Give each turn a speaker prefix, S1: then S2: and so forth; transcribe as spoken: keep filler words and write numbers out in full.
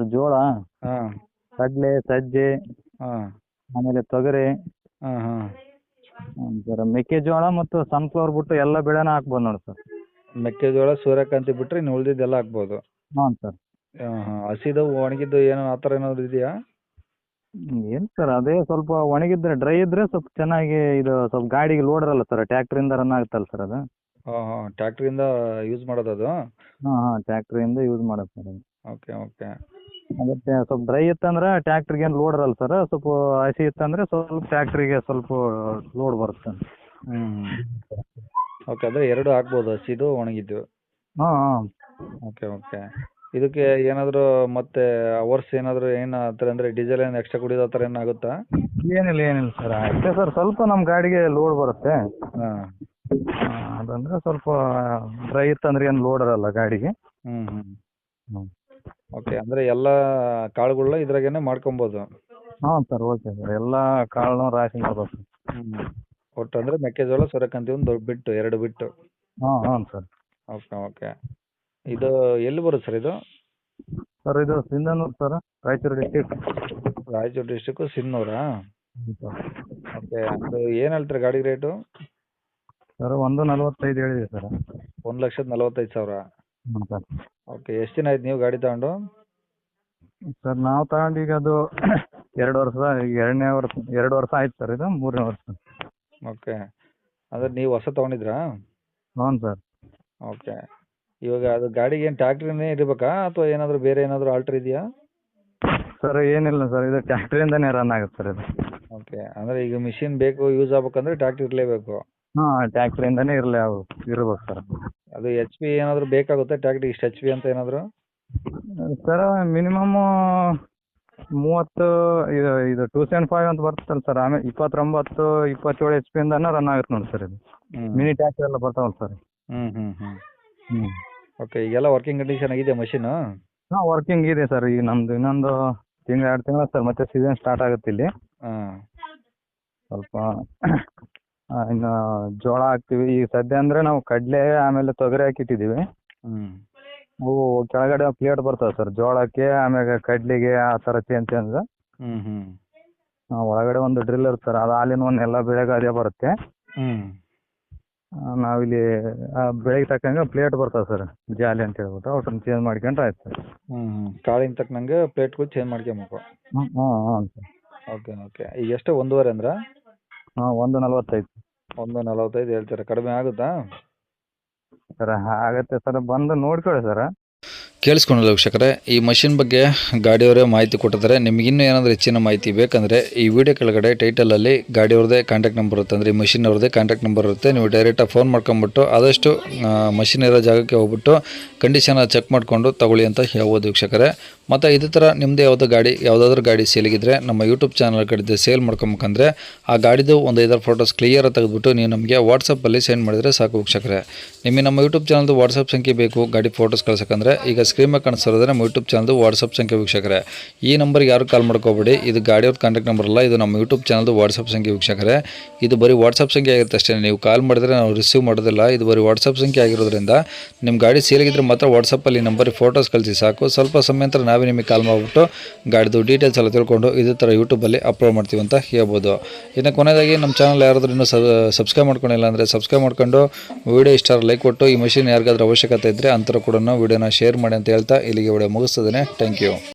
S1: Sir ಜೋಳ,
S2: ಹಾಂ
S1: ಕಡಲೆ, ಸಜ್ಜೆ,
S2: ಹಾಂ
S1: ಆಮೇಲೆ ತೊಗರಿ,
S2: ಹಾಂ ಹಾಂ
S1: ಹ್ಮ್ ಸರ್ ಮೆಕ್ಕೆಜೋಳ ಮತ್ತು ಸನ್ಫ್ಲವರ್ ಬಿಟ್ಟು ಎಲ್ಲ ಬೆಳೆನ ಹಾಕ್ಬೋದು ನೋಡಿ ಸರ್.
S2: ಮೆಕ್ಕೆಜೋಳ ಸೂರ್ಯಕಾಂತಿ ಬಿಟ್ಟರೆ ಇನ್ನು ಉಳಿದಿದ್ದೆಲ್ಲ ಹಾಕ್ಬೋದು.
S1: ಹ್ಞೂ ಸರ್.
S2: ಹಾಂ ಹಾಂ ಹಸಿದು ಒಣಗಿದ್ದು ಏನೋ ಆ ಥರ ಏನಾದರೂ ಇದೆಯಾ?
S1: ಏನು ಸರ್ ಅದೇ ಸ್ವಲ್ಪ ಒಣಗಿದ್ರೆ ಡ್ರೈ ಇದ್ರೆ ಸ್ವಲ್ಪ ಚೆನ್ನಾಗಿ ಇದು ಸ್ವಲ್ಪ ಗಾಡಿಗೆ ಲೋಡ್ ಇರಲ್ಲ ಸರ್, ಟ್ಯಾಕ್ಟ್ರಿಂದ ರನ್ ಆಗುತ್ತಲ್ಲ ಸರ್ ಅದು.
S2: ಹಾಂ ಹಾಂ ಟ್ಯಾಕ್ಟ್ರಿಂದ ಯೂಸ್ ಮಾಡೋದು ಅದು?
S1: ಹಾಂ ಹಾಂ ಟ್ಯಾಕ್ಟ್ರಿಂದ ಯೂಸ್ ಮಾಡೋದು ಸರ್ ಅದು.
S2: ಓಕೆ ಓಕೆ
S1: ಅದಕ್ಕೆ ಸ್ವಲ್ಪ ಡ್ರೈ ಇತ್ತಂದ್ರೆ ಟ್ಯಾಕ್ಟ್ರಿಗೆ ಏನು ಲೋಡ್ ಇರಲ್ಲ ಸರ್, ಸ್ವಲ್ಪ ಹಸಿ ಇತ್ತಂದ್ರೆ ಸ್ವಲ್ಪ ಟ್ಯಾಕ್ಟ್ರಿಗೆ ಸ್ವಲ್ಪ ಲೋಡ್ ಬರುತ್ತೆ.
S2: ಹ್ಞೂ ಓಕೆ ಅಂದರೆ ಎರಡು ಹಾಕ್ಬೋದು, ಹಸಿದು ಒಣಗಿದ್ದು.
S1: ಹಾಂ ಹಾಂ
S2: ಓಕೆ ಓಕೆ ಇದಕ್ಕೆ ಏನಾದರೂ ಮತ್ತೆ ಅವರ್ಸ್ ಏನಾದರೂ ಏನು ಆ ಥರ ಅಂದರೆ ಡೀಸೆಲ್ ಏನು ಎಕ್ಸ್ಟ್ರಾ ಕುಡಿಯೋದು ಆ ಥರ ಏನು ಆಗುತ್ತಾ?
S1: ಏನಿಲ್ಲ ಏನಿಲ್ಲ ಸರ್, ಅಷ್ಟೇ ಸರ್ ಸ್ವಲ್ಪ ನಮ್ಮ ಗಾಡಿಗೆ ಲೋಡ್ ಬರುತ್ತೆ.
S2: ಹಾಂ
S1: ಆ, ಅದಂದ್ರೆ ಸ್ವಲ್ಪ ಡ್ರೈ ಇತ್ತಂದ್ರೆ ಏನು ಲೋಡ್ ಇರಲ್ಲ ಗಾಡಿಗೆ.
S2: ಹ್ಞೂ ಹ್ಞೂ
S1: ಹ್ಞೂ
S2: ಓಕೆ ಅಂದರೆ ಎಲ್ಲ ಕಾಳುಗಳನ್ನ ಇದ್ರಾಗೇನೆ ಮಾಡ್ಕೊಬೋದು.
S1: ಹಾಂ ಸರ್ ಓಕೆ ಸರ್, ಎಲ್ಲ ಕಾಳನ್ನು ರಾಶಿ ಮಾಡ್ಬೇಕು.
S2: ಹ್ಞೂ ಒಟ್ಟು ಅಂದರೆ ಮೆಕ್ಕೆಜೋಳ ಸೂರ್ಯಕಾಂತಿ ಒಂದು ಬಿಟ್ಟು ಎರಡು ಬಿಟ್ಟು.
S1: ಹಾಂ ಹಾಂ ಸರ್.
S2: ಓಕೆ ಓಕೆ ಇದು ಎಲ್ಲಿ ಬರುತ್ತೆ ಸರ್ ಇದು?
S1: ಸರ್ ಇದು Sindhanur sir, Raichur district.
S2: Raichur district ಸಿನ್ನೂರಾ?
S1: ಹ್ಞೂ ಸರ್.
S2: ಓಕೆ ಅದು ಏನು ಹೇಳ್ತೀರಾ ಗಾಡಿ ರೇಟು?
S1: ಸರ್ ಒಂದು ನಲ್ವತ್ತೈದು ಹೇಳಿದೆ ಸರ್.
S2: ಒಂದು ಲಕ್ಷದ ನಲವತ್ತೈದು ಸಾವಿರ.
S1: ಹ್ಞೂ ಸರ್.
S2: ಓಕೆ ಎಷ್ಟು ದಿನ ಆಯ್ತು ನೀವು ಗಾಡಿ ತಗೊಂಡು?
S1: ಸರ್ ನಾವು ತಗೊಂಡು ಈಗ ಅದು ಎರಡು ವರ್ಷ, ಈಗ ಎರಡನೇ ವರ್ಷ ಎರಡು ವರ್ಷ ಆಯ್ತು ಸರ್, ಇದು ಮೂರನೇ ವರ್ಷ.
S2: ಓಕೆ ಅಂದರೆ ನೀವು ಹೊಸ ತೊಗೊಂಡಿದ್ರಾ?
S1: ಹ್ಞೂ ಸರ್.
S2: ಓಕೆ ಇವಾಗ ಅದು ಗಾಡಿಗೆ ಏನು ಟ್ಯಾಕ್ಟ್ರಿನೇ ಇರಬೇಕಾ ಅಥವಾ ಏನಾದರೂ ಬೇರೆ ಏನಾದರೂ ಆಲ್ಟ್ರ್ ಇದೆಯಾ?
S1: ಸರ್ ಏನಿಲ್ಲ ಸರ್, ಇದು ಟ್ಯಾಕ್ಟ್ರಿಯಿಂದನೇ ರನ್ ಆಗುತ್ತೆ ಸರ್ ಇದು.
S2: ಓಕೆ ಅಂದರೆ ಈಗ ಮಿಷಿನ್ ಬೇಕು ಯೂಸ್ ಆಗ್ಬೇಕಂದ್ರೆ ಟ್ಯಾಕ್ಟ್ರಿ ಇರಲೇಬೇಕು.
S1: ಹಾಂ ಟ್ಯಾಕ್ಟ್ರಿಯಿಂದನೇ ಇರಲಿ ಅವು ಇರ್ಬೇಕು ಸರ್.
S2: ಅದು ಎಚ್ ಪಿ ಏನಾದರೂ ಬೇಕಾಗುತ್ತೆ ಟ್ಯಾಕ್ಟ್ರಿ ಇಷ್ಟು ಎಚ್ ಪಿ ಅಂತ ಏನಾದರೂ?
S1: ಸರ್ ಮಿನಿಮಮ್ ಮೂವತ್ತು, ಇದು ಇದು ಟೂ ಸೆವೆನ್ ಫೈವ್ ಅಂತ ಬರ್ತಲ್ಲ ಸರ್, ಆಮೇಲೆ ಇಪ್ಪತ್ತೊಂಬತ್ತು ಇಪ್ಪತ್ತೇಳು ಎಚ್ ಪಿಯಿಂದನೇ ರನ್ ಆಗುತ್ತೆ ನೋಡಿ ಸರ್ ಇದು.
S2: ಹ್ಞೂ
S1: ಮಿನಿ ಟ್ಯಾಕ್ಟ್ರಿ ಎಲ್ಲ ಬರ್ತಾವಲ್ಲ ಸರ್.
S2: ಹ್ಞೂ ಹ್ಞೂ ಹ್ಞೂ
S1: ಹ್ಞೂ
S2: ಓಕೆ ಈಗೆಲ್ಲ ವರ್ಕಿಂಗ್ ಕಂಡೀಷನ್ ಆಗಿದೆ ಮಷೀನು?
S1: ಹಾಂ ವರ್ಕಿಂಗ್ ಇದೆ ಸರ್, ಈಗ ನಮ್ಮದು ಇನ್ನೊಂದು ತಿಂಗಳು ಎರಡು ತಿಂಗಳು ಸರ್, ಮತ್ತೆ ಸೀಸನ್ ಸ್ಟಾರ್ಟ್ ಆಗುತ್ತೆ ಇಲ್ಲಿ.
S2: ಹಾಂ
S1: ಸ್ವಲ್ಪ ಆ, ಇನ್ನು ಜೋಳ ಹಾಕ್ತೀವಿ ಈಗ ಸದ್ಯ ಅಂದರೆ ನಾವು ಕಡಲೆ ಆಮೇಲೆ ತೊಗರಿ ಹಾಕಿಟ್ಟಿದ್ದೀವಿ.
S2: ಹ್ಞೂ
S1: ಅವು ಕೆಳಗಡೆ ಪ್ಲೇಟ್ ಬರ್ತವೆ ಸರ್ ಜೋಳಕ್ಕೆ, ಆಮೇಲೆ ಕಡ್ಲಿಗೆ ಆ ಥರ ಚೇಂಜ್ ಚೇಂಜ್.
S2: ಹ್ಞೂ ಹ್ಞೂ
S1: ಒಳಗಡೆ ಒಂದು ಡ್ರಿಲ್ ಇರುತ್ತೆ ಸರ್, ಅದು ಹಾಲಿನ ಒಂದು ಎಲ್ಲ ಬೆಳೆಗೆ ಅದೇ ಬರುತ್ತೆ.
S2: ಹ್ಞೂ
S1: ಆ, ನಾವಿಲ್ಲಿ ಆ ಬೆಳೆಗೆ ತಕ್ಕಂಗೆ ಪ್ಲೇಟ್ ಬರ್ತವೆ ಸರ್, ಜಾಲಿ ಅಂತ ಹೇಳ್ಬಿಟ್ಟು ಅವನ್ನ ಚೇಂಜ್ ಮಾಡ್ಕೊಂಡ್ರೆ ಆಯ್ತು ಸರ್.
S2: ಹ್ಞೂ ಹ್ಞೂ ಕಾಳಿನ ತಕ್ಕನಂಗೆ ಪ್ಲೇಟ್ಗಳು ಚೇಂಜ್ ಮಾಡ್ಕೊಬೇಕು.
S1: ಹ್ಞೂ ಹ್ಞೂ ಹ್ಞೂ ಸರ್.
S2: ಓಕೆ ಓಕೆ ಈಗ ಎಷ್ಟು ಒಂದೂವರೆ ಅಂದ್ರೆ?
S1: ಹಾಂ ಒಂದು ನಲ್ವತ್ತೈದು
S2: ಒಂದು ನಲವತ್ತೈದು ಹೇಳ್ತಾರೆ, ಕಡಿಮೆ ಆಗುತ್ತಾ?
S1: ಸರ್ ಆಗತ್ತೆ ಸರ್, ಬಂದು ನೋಡ್ಕೊಳ್ಳಿ ಸರ್.
S2: ಕೇಳಿಸ್ಕೊಂಡಲ್ಲ ವೀಕ್ಷಕರೇ, ಈ ಮಷಿನ್ ಬಗ್ಗೆ ಗಾಡಿಯವರೇ ಮಾಹಿತಿ ಕೊಟ್ಟಿದ್ದಾರೆ. ನಿಮ್ಗೆ ಇನ್ನೂ ಏನಾದರೂ ಹೆಚ್ಚಿನ ಮಾಹಿತಿ ಬೇಕಂದರೆ ಈ ವಿಡಿಯೋ ಕೆಳಗಡೆ ಟೈಟಲಲ್ಲಿ ಗಾಡಿಯವ್ರದ್ದೇ ಕಾಂಟ್ಯಾಕ್ಟ್ ನಂಬರ್ ಇರುತ್ತೆ, ಅಂದರೆ ಈ ಮಷಿನ್ ಅವ್ರದ್ದೇ ಕಾಂಟ್ಯಾಕ್ಟ್ ನಂಬರ್ ಇರುತ್ತೆ. ನೀವು ಡೈರೆಕ್ಟಾಗಿ ಫೋನ್ ಮಾಡ್ಕೊಂಬಿಟ್ಟು ಆದಷ್ಟು ಮಷಿನ್ ಇರೋ ಜಾಗಕ್ಕೆ ಹೋಗ್ಬಿಟ್ಟು ಕಂಡೀಷನ್ ಚೆಕ್ ಮಾಡಿಕೊಂಡು ತಗೊಳ್ಳಿ ಅಂತ ಹೇಳ್ಬೋದು ವೀಕ್ಷಕರೇ. ಮತ್ತು ಇದೇ ಥರ ನಿಮ್ಮದು ಯಾವುದೋ ಗಾಡಿ ಯಾವುದಾದ್ರೂ ಗಾಡಿ ಸೇಲಿಗಿದ್ರೆ ನಮ್ಮ ಯೂಟ್ಯೂಬ್ ಚಾನಲ್ ಕಡೆ ಸೇಲ್ ಮಾಡ್ಕೊಬೇಕಂದ್ರೆ ಆ ಗಾಡಿದು ಒಂದು ಐದಾರು ಫೋಟೋಸ್ ಕ್ಲಿಯರ್ ತೆಗೆದುಬಿಟ್ಟು ನೀವು ನಮಗೆ ವಾಟ್ಸಪ್ಪಲ್ಲಿ ಸೆಂಡ್ ಮಾಡಿದರೆ ಸಾಕು ವೀಕ್ಷಕರೇ. ನಿಮಗೆ ನಮ್ಮ ಯೂಟ್ಯೂಬ್ ಚಾನಲ್ದು ವಾಟ್ಸಪ್ ಸಂಖ್ಯೆ ಬೇಕು ಗಾಡಿ ಫೋಟೋಸ್ ಕಳ್ಸೋಕ್ಕಂದ್ರೆ ಈಗ ಸ್ಕ್ರೀನ್ ಮೇಲೆ ಕಾಣಿಸ್ತಿರೋದ್ರೆ ನಮ್ಮ ಯೂಟ್ಯೂಬ್ ಚಾನಲ್ದು ವಾಟ್ಸಪ್ ಸಂಖ್ಯೆ ವೀಕ್ಷಕರೇ. ಈ ನಂಬರ್ಗೆ ಯಾರು ಕಾಲ್ ಮಾಡ್ಕೋಬೇಡಿ, ಇದು ಗಾಡಿಯವ್ರ ಕಾಂಟ್ಯಾಕ್ಟ್ ನಂಬರ್ ಅಲ್ಲ, ಇದು ನಮ್ಮ ಯೂಟ್ಯೂಬ್ ಚಾನಲ್ದು ವಾಟ್ಸಪ್ ಸಂಖ್ಯೆ ವೀಕ್ಷಕರೇ. ಇದು ಬರೀ ವಾಟ್ಸಪ್ ಸಂಖ್ಯೆ ಆಗಿರುತ್ತೆ ಅಷ್ಟೇ, ನೀವು ಕಾಲ್ ಮಾಡಿದ್ರೆ ನಾವು ರಿಸೀವ್ ಮಾಡೋದಿಲ್ಲ. ಇದು ಬರೀ ವಾಟ್ಸಪ್ ಸಂಖ್ಯೆ ಆಗಿರೋದ್ರಿಂದ ನಿಮ್ಮ ಗಾಡಿ ಸೇಲಿಗಿದ್ರೆ ಮಾತ್ರ ವಾಟ್ಸಪ್ಪಲ್ಲಿ ನಂಬರಿಗೆ ಫೋಟೋಸ್ ಕಳಿಸಿ ಸಾಕು. ಸ್ವಲ್ಪ ಸಮಯ ನಂತರ ನಾವೇ ನಿಮಗೆ ಕಾಲ್ ಮಾಡಿಬಿಟ್ಟು ಗಾಡಿದು ಡೀಟೇಲ್ಸ್ ಎಲ್ಲ ತಿಳ್ಕೊಂಡು ಇದೇ ಥರ ಯೂಟ್ಯೂಬಲ್ಲಿ ಅಪ್ಲೋಡ್ ಮಾಡ್ತೀವಿ ಅಂತ ಹೇಳ್ಬೋದು. ಇನ್ನು ಕೊನೆಯದಾಗಿ ನಮ್ಮ ಚಾನಲ್ ಯಾರಾದರೂ ಇನ್ನೂ ಸಬ್ಸ್ಕ್ರೈಬ್ ಮಾಡ್ಕೊಂಡಿಲ್ಲ ಅಂದರೆ ಸಬ್ಸ್ಕ್ರೈಬ್ ಮಾಡ್ಕೊಂಡು ವಿಡಿಯೋ ಇಷ್ಟ ಲೈಕ್ ಕೊಟ್ಟು ಈ ಮಷಿನ್ ಯಾರಿಗಾದ್ರೂ ಅವಶ್ಯಕತೆ ಇದ್ದರೆ ಅಂಥವ್ರು ಕೂಡ ವಿಡಿಯೋನ ಶೇರ್ ಮಾಡಿ ಅಂತ ಹೇಳ್ತಾ ಇಲ್ಲಿಗೆ ವಿಡಿಯೋ ಮುಗಿಸ್ತದೆ. Thank you.